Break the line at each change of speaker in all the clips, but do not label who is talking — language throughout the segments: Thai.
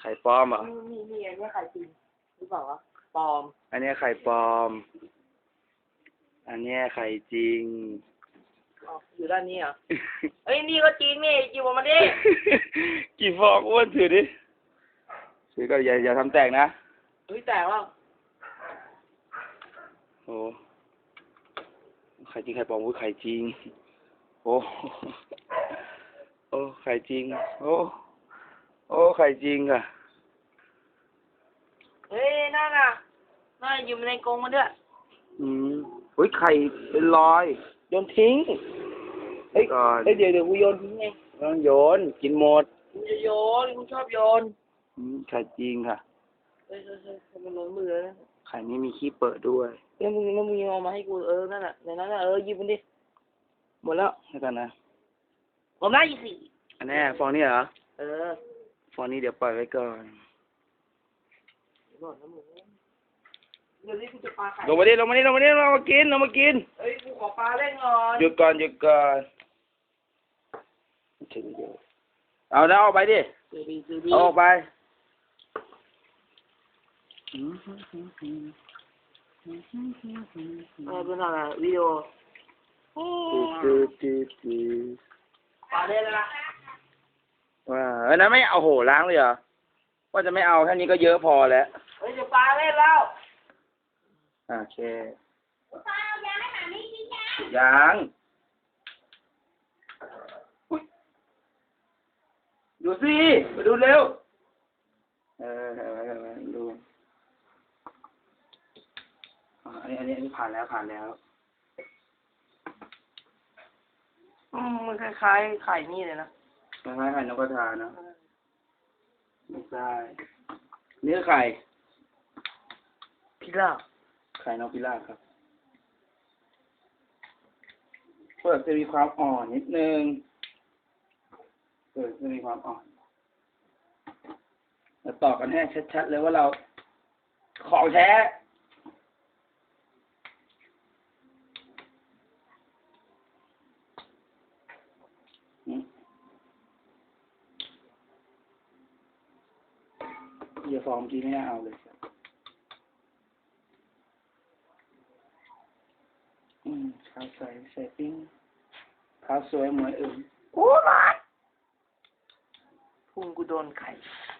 ข่ปลอมเหรอ
นี่อันนี้ไข่จริงหรือเปล่าวะปลอม
อันนี้ไข่ปลอมอันนี้ไข่จริง
อยู่ด้านนี้เหรอ เอ้ยนี่ก็จริงนี่จิ๋วมาดิ
กี่ฟองอ้วนถือดิถือก็อย่าทำแตกนะ
เฮ้ยแตกแล้ว
โอ้ไข่จริงไข่ปลอมไข่จริงโอ้โอ้ไข่จริงโอ้ไข่จริงค่ะ
เฮ้ยนั่นน่ะอยู่ในกรงมันด้วย
เฮ้ยไข่เป็นรอย
โยนทิ้งเฮ้ยเดี๋ยวกูโยนทิ้งไง
ต้องโยนกินหมด
กูจะโยนกูชอบโยน
ไข่จริงค่ะ
เฮ้ยมันล้นมือแล้ว
ไข่นี้มีขี้เปิดด้วย
แล้วมึงเอามาให้กูนั่นน่ะในนั้นน่ะหยิบมันดิหมดแล้ว
ให้กันนะ
ผมได้อีกสี่
อันนี้ฟองนี่เหรอฟองนี้เดี๋ยวปล่อยไว้ก่อน
เดี๋ยวนี้กูจะปลาไข่
ลงมาดิเรามากิน
เฮ้ยกูขอปลาเล่นก่อน
หยุดก่อนเอาแล้วออกไปดิเอาออกไป
เป็นอะไรวิดีโอปลาเล่นแล้วนะ
ว่านั้นไม่เอาโหล้างเลยเหรอว่าจะไม่เอาแค่นี้ก็เยอะพอแล้ว
เฮ้ยจะปลาเล่นแล้ว
โอเคยังดูสิมาดูเร็วดูอันนี้ผ่านแล้ว
มันคล้ายๆไข่นี่เลยนะ
คล้ายไข่นกกระทานะไม่ใช่เนื้อไข่
พิราบ
ไข่นกพิราบครับเปลือกจะมีความอ่อนนิดนึงจะมีความอ่อนเราต่อกันให้ชัดๆเลยว่าเราของแท้อย่าฟอร์มที่ไม่น่าเอาเลยขาวใส่ปิ้งขาวสวยเหมือน
โอ้มาพุ่งกูโดนไข่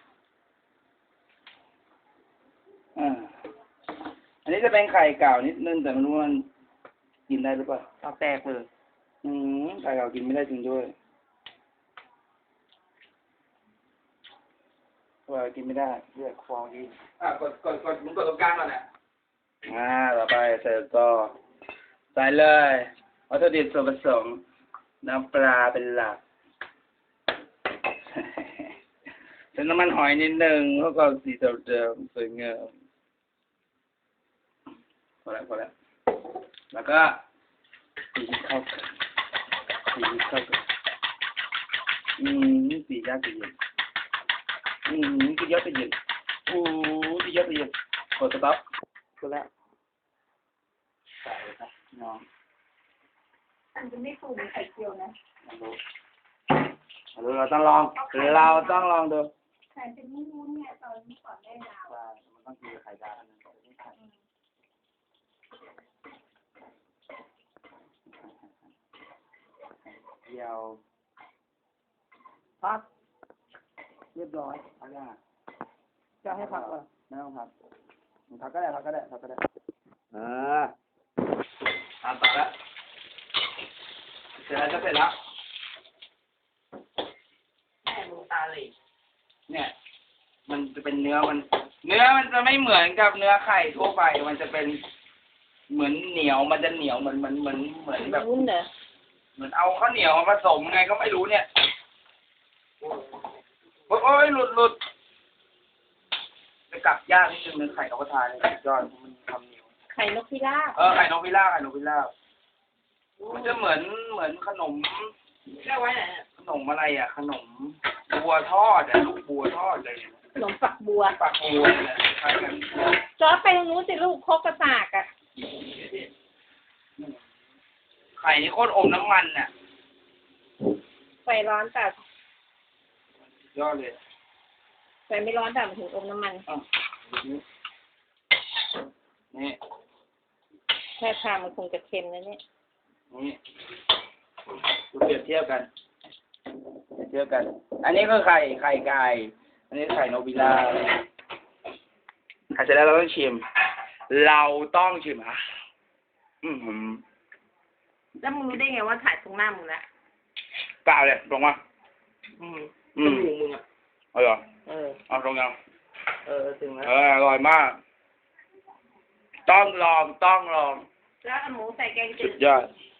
อันนี้จะเป็นไข่เก่านิดนึงแต่ไม่รู้มันกินได้หรือเปล่า
เอาแตกเลย
ไข่เก่ากินไม่ได้จริงด้วยว่ากินไม่ได้เลือดฟองดีกดมึงกดตรงกลางก่อนแหละต่อไปใส่ก็ใส่เลยวัตถุดิบส่วนผสมน้ำปลาเป็นหลักใส่น้ำมันหอยนิดนึงเพื่อความสีเดิมสวยงามพอแล้วแล้วก็ตีเข้ากันตียากตีเย็นตียากตีเย็นตียากตีเย็นกดสต๊อปกดแล้วใส่ครับน้อง
มันจะไม่ฟูเหมือนไข่เจียวนะ
เราต้องลองดู
ไข่เป็นวุ้นๆเนี่ยตอนนี้ก่อนได้ดาว
มันต้องกินไข่ดาวนั่นก่อนไม่ไข่เดียว
พักเรียบร้อย
พักได้
จะให้พักเหรอ
ไม่ต้องพักก็ได้ต่อแล้วเสร็จแล้ว
แม่มึงตาเลย
เนี่ยมันจะเป็นเนื้อมันจะไม่เหมือนกับเนื้อไข่ทั่วไปมันจะเป็นเหมือนเหนียวมันจะเหนียวเหมือนแบบ
วุ้นเหรอ
เหมือนเอาข้าวเหนียวมาผสมไงก็ไม่รู้เนี่ยโอ้ยหลุดจะกลับยากนิดนึงเนื้อไข่นกกระทาเนี่ยสุดยอดมันทำเหนียว
ไข่นกพิราบ
ไข่นกพิราบมันจะเหมือนขนม
เรียกไว้ไหน
ขนมอะไรอ่ะขนมบัวทอดลูกบัวทอดเลย
ขนมฝักบัว
เนี่ยใช่กัน
จอไปตรงนู้นสิลูกโคกกระสากอ่ะ
ไข่นี่โคตรอมน้ำมันน่ะ
ไฟร้อนแต่
ยอดเลย
ไฟไม่ร้อนแต่มันถึงอมน้ำมัน
อ้าวนี่
แค่ทานมันคงจะเค็มนะเนี่ย
นี่ดูเปรียบเทียบกันเปรียบเทียบกัน อันนี้ก็ไข่ไก่ อันนี้ไข่นกบิล่าเสร็จแล้วเราต้องชิม เราต้องชิมอ่ะหืม
แล้วมึงรู้ได้ไงว่าถ่ายตรงหน้ามึงละ
เปล่าเลยตรงมา
จมูกมึงอ่ะ
เอาเหรอ เอาตรงยัง
ถึงแล้ว
อร่อยมาก ต้องลอง
แล้วเอาหมูใส่แกงจื
สุ
ด
ดยอด